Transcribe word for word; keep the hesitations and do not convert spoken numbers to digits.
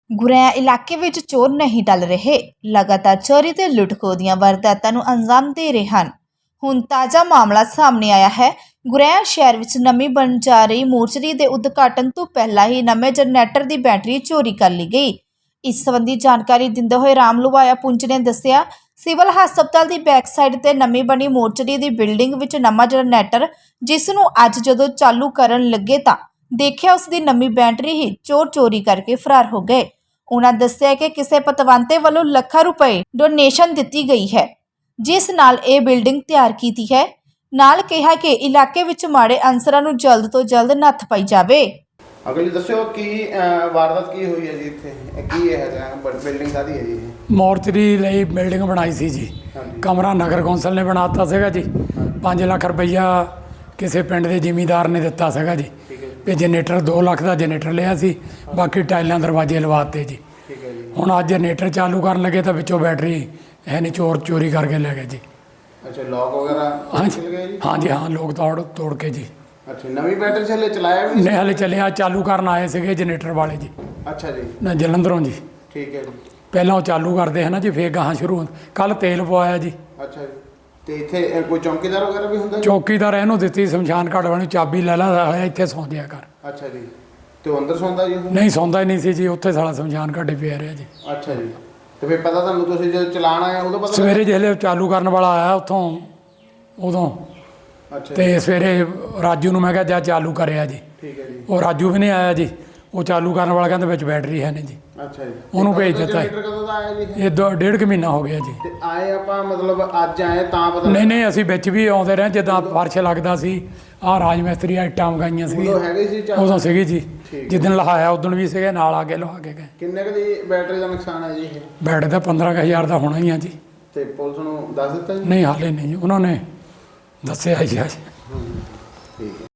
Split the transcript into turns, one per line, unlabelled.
ਗੁਰੇਆ ਇਲਾਕੇ ਵਿੱਚ ਚੋਰ ਨਹੀਂ ਟਲ ਰਹੇ। ਲਗਾਤਾਰ ਚੋਰੀ ਤੇ ਲੁੱਟ-ਖੋਹ ਦੀਆਂ ਵਾਰਦਾਤਾਂ ਨੂੰ ਅੰਜਾਮ ਦੇ ਰਹੇ ਹਨ। ਹੁਣ ਤਾਜ਼ਾ ਮਾਮਲਾ ਸਾਹਮਣੇ ਆਇਆ ਹੈ। ਗੁਰੇਆ ਸ਼ਹਿਰ ਵਿੱਚ ਨਵੀਂ ਬਣ ਜਾ ਰਹੀ ਮੋਰਚਰੀ ਦੇ ਉਦਘਾਟਨ ਤੋਂ ਪਹਿਲਾਂ ਹੀ ਨਵੇਂ ਜਨਰੇਟਰ ਦੀ ਬੈਟਰੀ ਚੋਰੀ ਕਰ ਲਈ ਗਈ। ਇਸ ਸੰਬੰਧੀ ਜਾਣਕਾਰੀ ਦਿੰਦੇ ਹੋਏ ਰਾਮ ਲੁਵਾਇਆ ਪੁੰਚ ਨੇ ਦੱਸਿਆ, ਸਿਵਲ ਹਸਪਤਾਲ ਦੀ ਬੈਕ ਸਾਈਡ ਤੇ ਨਵੀਂ ਬਣੀ ਮੋਰਚਰੀ ਦੀ ਬਿਲਡਿੰਗ ਵਿੱਚ ਨਵਾਂ ਜਨਰੇਟਰ ਜਿਸ ਨੂੰ ਅੱਜ ਜਦੋਂ ਚਾਲੂ ਕਰਨ ਲੱਗੇ ਤਾਂ ਦੇਖਿਆ ਉਸ ਦੀ ਨਵੀਂ ਬੈਟਰੀ ਹੀ ਚੋਰ ਚੋਰੀ ਕਰਕੇ ਫਰਾਰ ਹੋ ਗਏ। ਉਹਨਾਂ ਦੱਸਿਆ ਕਿ ਕਿਸੇ ਪਤਵੰਤੇ ਵੱਲੋਂ ਲੱਖਾਂ ਰੁਪਏ ਡੋਨੇਸ਼ਨ ਦਿੱਤੀ ਗਈ ਹੈ ਜਿਸ ਨਾਲ ਇਹ ਬਿਲਡਿੰਗ ਤਿਆਰ ਕੀਤੀ ਹੈ। ਨਾਲ ਕਿਹਾ ਕਿ ਇਲਾਕੇ ਵਿੱਚ ਮਾੜੇ ਅਨਸਰਾਂ ਨੂੰ ਜਲਦ ਤੋਂ ਜਲਦ ਨੱਥ ਪਾਈ ਜਾਵੇ।
ਅਗਲੀ ਦੱਸਿਓ ਕੀ ਵਾਰਦਾਤ ਕੀ ਹੋਈ ਹੈ ਜੀ ਇੱਥੇ ਕੀ ਹੈ ਬਿਲਡਿੰਗ ਕਾਹਦੀ ਹੈ ਜੀ?
ਮੋਰਚਰੀ ਲਈ ਬਿਲਡਿੰਗ ਬਣਾਈ ਸੀ ਜੀ। ਕਮਰਾ ਨਗਰ ਕੌਂਸਲ ਨੇ ਬਣਾਤਾ ਸੀਗਾ ਜੀ। ਪੰਜ ਲੱਖ ਰੁਪਈਆ ਕਿਸੇ ਪਿੰਡ ਦੇ ਜ਼ਿਮੀਂਦਾਰ ਨੇ ਦਿੱਤਾ ਸੀਗਾ ਜੀ। ਤੇ ਜਨਰੇਟਰ ਦੋ ਲੱਖ ਦਾ ਜਨਰੇਟਰ ਲਿਆ ਸੀ, ਬਾਕੀ ਟਾਈਲਾਂ ਦਰਵਾਜ਼ੇ ਲਵਾਤੇ ਜੀ। ਹੁਣ ਅੱਜ ਜਨਰੇਟਰ ਚਾਲੂ ਕਰਨ ਲੱਗੇ ਤਾਂ ਵਿੱਚੋਂ ਬੈਟਰੀ ਹੈ ਨਹੀਂ, ਚੋਰ ਚੋਰੀ ਕਰਕੇ ਲੈ ਗਏ ਜੀ।
ਅੱਛਾ, ਲੋਕ ਵਗੈਰਾ
ਹਾਂਜੀ
ਚਲ ਗਏ ਜੀ?
ਹਾਂਜੀ ਹਾਂ, ਲੋਕ ਤੋੜ ਤੋੜ ਕੇ ਜੀ।
ਅੱਛਾ, ਨਵੀਂ ਬੈਟਰੀ ਹਲੇ ਚਲਾਇਆ ਵੀ
ਨਹੀਂ, ਹਲੇ ਚੱਲਿਆ, ਚਾਲੂ ਕਰਨ ਆਏ ਸੀਗੇ ਜਨਰੇਟਰ ਵਾਲੇ ਜੀ।
ਅੱਛਾ ਜੀ,
ਨਾ ਜਲੰਧਰੋਂ ਜੀ।
ਠੀਕ ਹੈ ਜੀ।
ਪਹਿਲਾਂ ਉਹ ਚਾਲੂ ਕਰਦੇ ਹੈ ਨਾ ਜੀ, ਫੇਰ ਗਾਹਾਂ ਸ਼ੁਰੂ। ਕੱਲ ਤੇਲ ਪਵਾਇਆ ਜੀ।
ਅੱਛਾ ਜੀ, ਤੇ ਇੱਥੇ ਕੋਈ ਚੌਕੀਦਾਰ ਵਗੈਰਾ ਵੀ ਹੁੰਦਾ?
ਚੌਕੀਦਾਰ ਇਹਨੂੰ ਦਿੱਤੀ ਸ਼ਮਸ਼ਾਨ ਘਾਟ ਵਾਲੀ ਚਾਬੀ ਲੈ ਲਾ ਹੋਇਆ, ਇੱਥੇ ਸੌਂ ਜਿਆ ਕਰ।
ਅੱਛਾ ਜੀ, ਤੇ ਉਹ ਅੰਦਰ ਸੌਂਦਾ ਜੀ? ਉਹ
ਨਹੀਂ ਸੌਂਦਾ ਹੀ ਨਹੀਂ ਸੀ ਜੀ, ਉੱਥੇ ਸਾਲਾ ਸ਼ਮਸ਼ਾਨ ਘਾਟੇ ਪਿਆ ਰਿਹਾ ਜੀ।
ਅੱਛਾ ਜੀ, ਤੇ ਫਿਰ ਪਤਾ ਤੁਹਾਨੂੰ ਤੁਸੀਂ ਜਦੋਂ ਚਲਾਣ ਆਏ ਉਦੋਂ ਪਤਾ?
ਸਵੇਰੇ ਜਿਹੜੇ ਚਾਲੂ ਕਰਨ ਵਾਲਾ ਆਇਆ ਉੱਥੋਂ ਉਦੋਂ।
ਅੱਛਾ
ਤੇ ਸਵੇਰੇ ਰਾਜੂ ਨੂੰ ਮੈਂ ਕਿਹਾ ਜਾ ਚਾਲੂ ਕਰਿਆ ਜੀ।
ਠੀਕ ਹੈ ਜੀ।
ਉਹ ਰਾਜੂ ਵੀ ਨਹੀਂ ਆਇਆ ਜੀ। ਉਹ ਚਾਲੂ ਕਰਨ ਵਾਲਾ ਕਹਿੰਦਾ ਵਿੱਚ ਬੈਟਰੀ ਹੈ ਨਹੀਂ ਜੀ।
ਅੱਛਾ ਜੀ,
ਉਹਨੂੰ ਭੇਜ ਦਿੱਤਾ।
ਜਨਰੇਟਰ ਕਦੋਂ ਦਾ ਆਇਆ ਜੀ?
ਇਹ ਦੋ ਡੇਢ ਕੁ ਮਹੀਨਾ ਹੋ ਗਿਆ ਜੀ।
ਤੇ ਆਏ ਆਪਾਂ ਮਤਲਬ ਅੱਜ ਆਏ ਤਾਂ ਪਤਾ?
ਨਹੀਂ ਨਹੀਂ, ਅਸੀਂ ਵਿੱਚ ਵੀ ਆਉਂਦੇ ਰਹੇ ਜਿੱਦਾਂ ਫਰਸ਼ ਲੱਗਦਾ ਸੀ। ਆਹ ਰਾਜ ਮਿਸਤਰੀ ਇੱਟਾਂ ਮਗਾਈਆਂ ਸੀ,
ਉਦੋਂ ਹੈਗੇ ਸੀ ਚਾਰ?
ਉਦੋਂ ਸੀਗੀ ਜੀ।
ਠੀਕ।
ਜਿੱਦਣ ਲਹਾਇਆ ਉਦੋਂ ਵੀ ਸੀਗੇ, ਨਾਲ ਆ ਕੇ ਲਹਾ ਕੇ ਗਏ।
ਕਿੰਨੇ ਕੁ ਦੀ ਬੈਟਰੀ ਦਾ ਨੁਕਸਾਨ ਹੈ ਜੀ ਇਹ?
ਬੈਟ ਦਾ ਪੰਦਰਾਂ ਕੁ ਹਜ਼ਾਰ ਦਾ ਹੋਣਾ ਹੀ ਆ ਜੀ।
ਤੇ ਪੁਲਿਸ ਨੂੰ ਦੱਸ ਦਿੱਤਾ ਜੀ?
ਨਹੀਂ ਹਾਲੇ ਨਹੀਂ, ਉਹਨਾਂ ਨੇ ਦੱਸਿਆ ਹੀ ਆ ਜੀ।
ਠੀਕ ਹੈ।